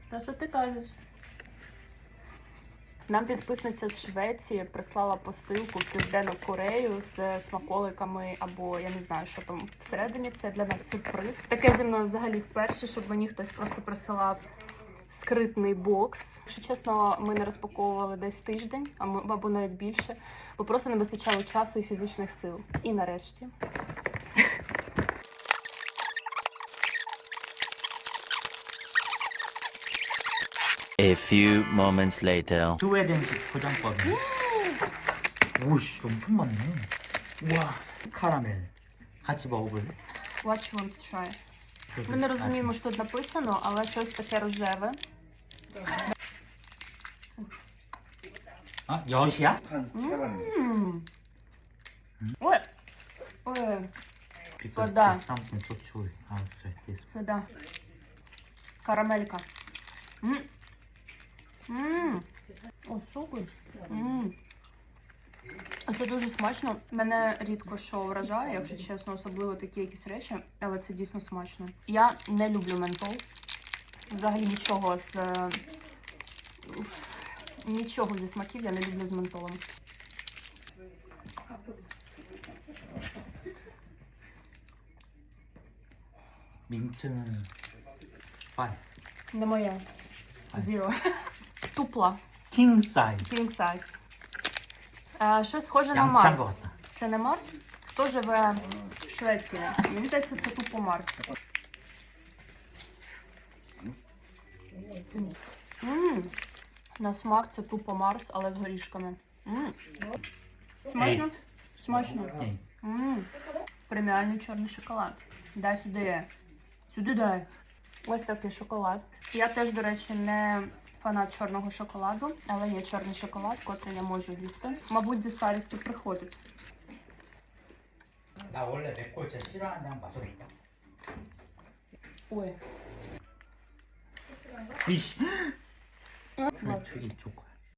Та що ти кажеш? Нам підписниця з Швеції прислала посилку в Південну Корею з смаколиками або я не знаю, що там всередині. Це для нас сюрприз. Таке зі мною взагалі вперше, щоб мені хтось просто присилав скритний бокс. Якщо чесно, ми не розпаковували десь тиждень, або навіть більше, бо просто не вистачало часу і фізичних сил. І нарешті. A few moments later. 스웨덴식 포장법이. 오씨, 엄청 많네. 우와, 카라멜. 같이 먹어볼래? What you want to try? Ми не розуміємо, що тут написано, але щось таке рожеве. 아, 엿이야? Ой! Ой! Because Сода. there's something so chewy outside this. Сюди. Карамелька. О, супер. Це дуже смачно. Мене рідко що вражає, якщо чесно, особливо такі якісь речі, але це дійсно смачно. Я не люблю ментол. Взагалі нічого зі смаків я не люблю з ментолом. 민트는 5. Не моя. Zero. Тупла. King size. King size. Щось схоже на 양치한 Марс. 것 같다. Це не Марс? Хто живе в Швеції? Мені здається, це тупо Марс. На смак це тупо Марс, але з горішками. Смачно? Смачно. Преміальний чорний шоколад. Дай сюди. Сюди дай. Ось такий шоколад. Я теж, до речі, не фанат чорного шоколаду, але є чорний шоколад, котрий я можу їсти. Мабуть, зі старістю приходить. 나 원래 맵고 진짜 싫어하는데 한번 마셔볼까? Ой. 이씨. Ладно. 저기 초코.